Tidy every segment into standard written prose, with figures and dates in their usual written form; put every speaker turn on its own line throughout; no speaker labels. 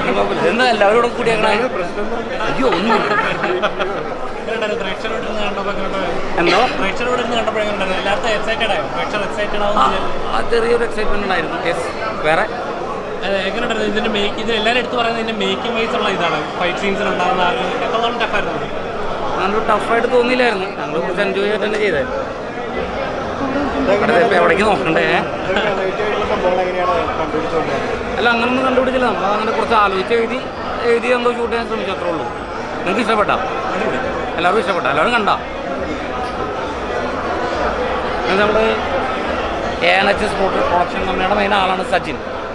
കുഴപ്പമില്ല. എന്താ എല്ലാവരും കൂടി അങ്ങനെ അയ്യോ ഒന്നും എന്തോ ചെറിയൊരു എക്സൈറ്റ്മെന്റ് ഉണ്ടായിരുന്നു. വേറെ
എങ്ങനെയുണ്ടായിരുന്നു ഇതിന്റെ ഇത് എല്ലാവരും എടുത്ത് പറയുന്നത് ഇതിന്റെ മേക്കിംഗ് വൈസ് ഉള്ള ഇതാണ് ഫൈറ്റ് സീൻസിൽ ഉണ്ടാകുന്ന എത്രത്തോളം ടഫായിരുന്നു?
നല്ലൊരു ടഫായിട്ട് തോന്നിയില്ലായിരുന്നു. ഞങ്ങൾ കുറച്ച് എൻജോയ് ചെയ്തിട്ട് തന്നെ ചെയ്തത്. എവിടേക്ക് നോക്കണ്ടേ? അല്ല അങ്ങനൊന്നും കണ്ടുപിടിച്ചില്ല. നമ്മളങ്ങനെ കുറച്ച് ആലോചിച്ച് എഴുതി എന്തോ ഷൂട്ട് ചെയ്യാൻ ശ്രമിച്ചു, അത്രേ ഉള്ളൂ. നിങ്ങൾക്ക് ഇഷ്ടപ്പെട്ടാ? എല്ലാവർക്കും ഇഷ്ടപ്പെട്ട? എല്ലാവരും കണ്ടാ? നമ്മുടെ ANH sport production company main ആളാണ് സച്ചിൻ.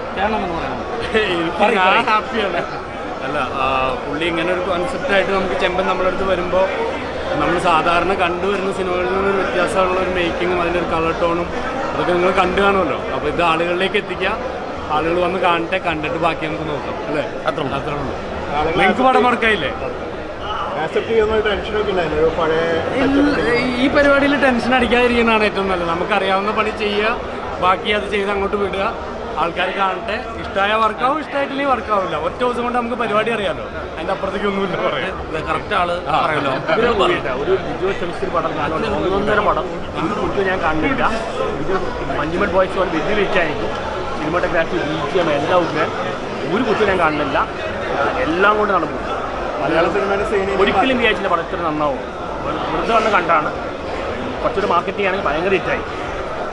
ഹാപ്പിയാണ്. അല്ല പുള്ളി ഇങ്ങനെ ഒരു കോൺസെപ്റ്റായിട്ട് നമുക്ക് ചെമ്പൻ നമ്മളടുത്ത് വരുമ്പോൾ നമ്മൾ സാധാരണ കണ്ടുവരുന്ന സിനിമകളിൽ നിന്നൊരു വ്യത്യാസമുള്ള ഒരു മേക്കിങ്ങും അതിൻ്റെ ഒരു കളർ ടോണും അതൊക്കെ നിങ്ങൾ കണ്ടു കാണുമല്ലോ. അപ്പോൾ ഇത് ആളുകളിലേക്ക് എത്തിക്കുക, ആളുകൾ വന്ന് കാണട്ടെ, കണ്ടിട്ട് ബാക്കി നമുക്ക് നോക്കാം അല്ലേ? അത്രേ ഉള്ളൂ. നിങ്ങൾക്ക് പടം വർക്കായില്ലേ? ഈ പരിപാടിയിൽ ടെൻഷൻ അടിക്കാതിരിക്കുന്നതാണ് ഏറ്റവും നല്ലത്. നമുക്കറിയാവുന്ന പണി ചെയ്യുക, ബാക്കി അത് ചെയ്ത് അങ്ങോട്ട് വിടുക, ആൾക്കാർ കാണട്ടെ. ഇഷ്ടമായ വർക്കാവും, ഇഷ്ടമായിട്ടില്ലെങ്കിൽ വർക്കാവില്ല. ഒറ്റ ദിവസം കൊണ്ട് നമുക്ക് പരിപാടി അറിയാമല്ലോ. അതിൻ്റെ അപ്പുറത്തേക്ക് ഒന്നുമില്ല പറയാം.
കറക്റ്റ് ആള് പറയല്ലോ.
ഒരു വിജു സെമിസ്റ്റർ പടം ഞാനോട് 1.5 പടം എനിക്ക് കുറിച്ച് ഞാൻ കണ്ടില്ല. ഇത് മഞ്ജുമൽ ബോയ്സ് പോലെ വലിയ വെച്ചായിരിക്കും. സിനിമാറ്റോഗ്രാഫി, BGM എല്ലാം ഉപയോഗിക്കാൻ ഒരു കുറിച്ച് ഞാൻ കാണുന്നില്ല. എല്ലാം കൊണ്ട് നടന്നു.
മലയാള സിനിമയുടെ
ഒരിക്കലും വിചാരിച്ചില്ല പടത്തിൽ നന്നാവും. വെറുതെ വന്ന് കണ്ടാണ്. കുറച്ചൊരു മാർക്കറ്റിംഗ് ആണെങ്കിൽ ഭയങ്കര ഹിറ്റായി.